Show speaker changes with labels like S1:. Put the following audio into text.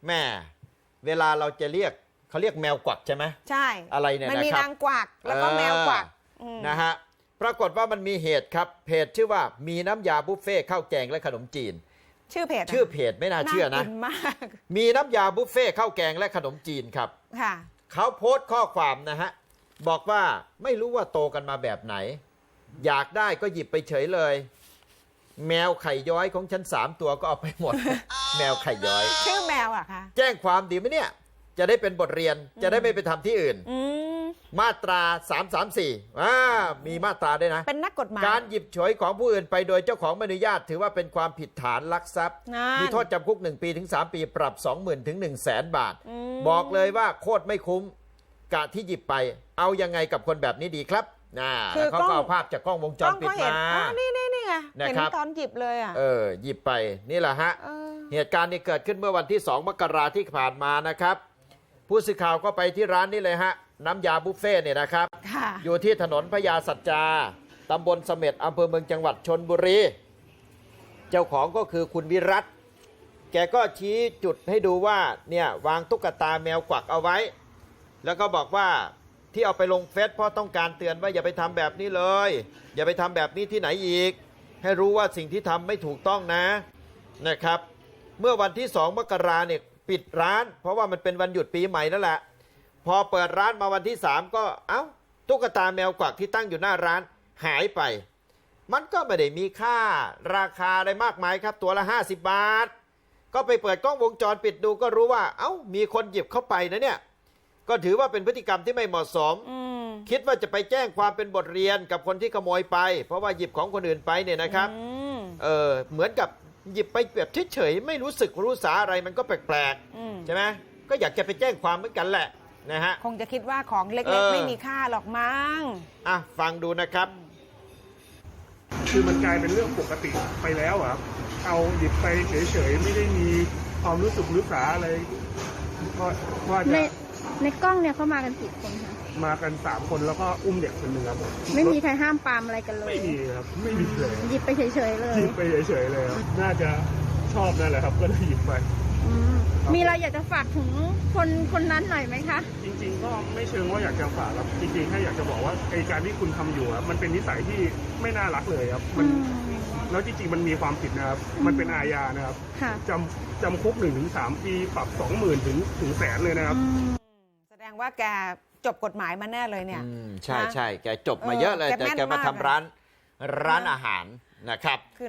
S1: แม่เวลาเราจะเรียกเขาเรียกแมวกวักใช่ไหม
S2: ใช่
S1: อะไรเนี่ยนะครับ
S2: มันมีนางกวักแล้วก็แมวกวัก
S1: นะฮะปรากฏว่ามันมีเหตุครับเพจชื่อว่ามีน้ำยาบุฟเฟ่ข้าวแกงและขนมจีน
S2: ชื่อเพจ
S1: ไม่น่าเชื่อนะ
S2: มาก
S1: มีน้ำยาบุฟเฟ่ข้าวแกงและขนมจีนครับ
S2: ค่ะ
S1: เขาโพสต์ข้อความนะฮะบอกว่าไม่รู้ว่าโตกันมาแบบไหนอยากได้ก็หยิบไปเฉยเลยแมวไข่ย้อยของฉัน3 ตัวก็เอาไปหมด แมวไข่ย้อย
S2: ชื่อแมวอะคะ
S1: แจ้งความดีไหมเนี่ยจะได้เป็นบทเรียนจะได้ไม่ไปทำที่อื่นมาตรา334มีมาตราด้วยนะ
S2: เป็นนักกฎหมาย
S1: การหยิบฉวยของผู้อื่นไปโดยเจ้าของไม่อนุญาตถือว่าเป็นความผิดฐานลักทรัพย์มีโทษจำคุก1 ปีถึง3 ปีปรับ 20,000 ถึง 100,000 บาทบอกเลยว่าโคตรไม่คุ้มกะที่หยิบไปเอายังไงกับคนแบบนี้ดีครับแล้วเขาก็เอาภาพจากกล้องวงจรปิดมา
S2: นี่ไงเห็นตอนหยิบเลยอ่ะ
S1: หยิบไปนี่แหละฮะเหตุการณ์นี้เกิดขึ้นเมื่อวันที่2 มกราคมที่ผ่านมานะครับผู้สื่อข่าวก็ไปที่ร้านนี้เลยฮะน้ำยาบุฟเฟ่เนี่ยนะครับอยู่ที่ถนนพญาสัจจาตำบลเสม็ดอำเภอเมืองจังหวัดชลบุรีเจ้าของก็คือคุณวิรัตแกก็ชี้จุดให้ดูว่าเนี่ยวางตุ๊กตาแมวกวักเอาไว้แล้วก็บอกว่าที่เอาไปลงเฟซเพราะต้องการเตือนว่าอย่าไปทำแบบนี้เลยอย่าไปทำแบบนี้ที่ไหนอีกให้รู้ว่าสิ่งที่ทำไม่ถูกต้องนะครับเมื่อวันที่2 มกราคมเนี่ยปิดร้านเพราะว่ามันเป็นวันหยุดปีใหม่นั่นแหละพอเปิดร้านมาวันที่3ก็ตุ๊กตาแมวกวักที่ตั้งอยู่หน้าร้านหายไปมันก็ไม่ได้มีค่าราคาอะไรมากมายครับตัวละ50 บาทก็ไปเปิดกล้องวงจรปิดดูก็รู้ว่ามีคนหยิบเข้าไปนะเนี่ยก็ถือว่าเป็นพฤติกรรมที่ไม่เหมาะสมคิดว่าจะไปแจ้งความเป็นบทเรียนกับคนที่ขโมยไปเพราะว่าหยิบของคนอื่นไปเนี่ยนะครับเหมือนกับหยิบไปแบบเฉยๆไม่รู้สึกรู้สาอะไรมันก็แปลกๆใช่ไหมก็อยากจะไปแจ้งความเหมือนกันแหละนะฮะ
S2: คงจะคิดว่าของเล็กๆไม่มีค่าหรอกมั้ง
S1: ฟังดูนะครับ
S3: คือมันกลายเป็นเรื่องปกติไปแล้วครับเอาหยิบไปเฉยๆไม่ได้มีความรู้สึกรู้สาอะไรว่าจะ
S4: ในกล้องเนี่ยเขามากันกี่คนคะ
S3: มากัน3 คนแล้วก็อุ้มเด็กคนหนึ่งครับ
S4: ไม่มีใครห้ามปรามอะไรกันเลย
S3: ไม่มีครับไม่มีเลย
S4: หยิบไปเฉยๆเลย
S3: หยิบไปเฉยๆเลยครับน่าจะชอบนั่นแหละครับก็เลยหยิบไป
S4: มีอะไรอยากจะฝากถึงคนนั้นหน่อยไหมคะ
S3: จริงๆก็ไม่เชิงว่าอยากจะฝากครับจริงๆแค่อยากจะบอกว่าไอ้การที่คุณทำอยู่ครับมันเป็นนิสัยที่ไม่น่ารักเลยครับมันแล้วจริงๆมันมีความผิดนะครับมันเป็นอาญานะครับจำคุก1 ถึง 3 ปีปรับ 20,000 ถึง100,000เลยนะครับ
S2: แสดงว่าแกจบกฎหมายมาแน่เลยเนี่ย
S1: ใช่แกจบมาเยอะเลยแต่แกมาทำร้านอาหารนะครับ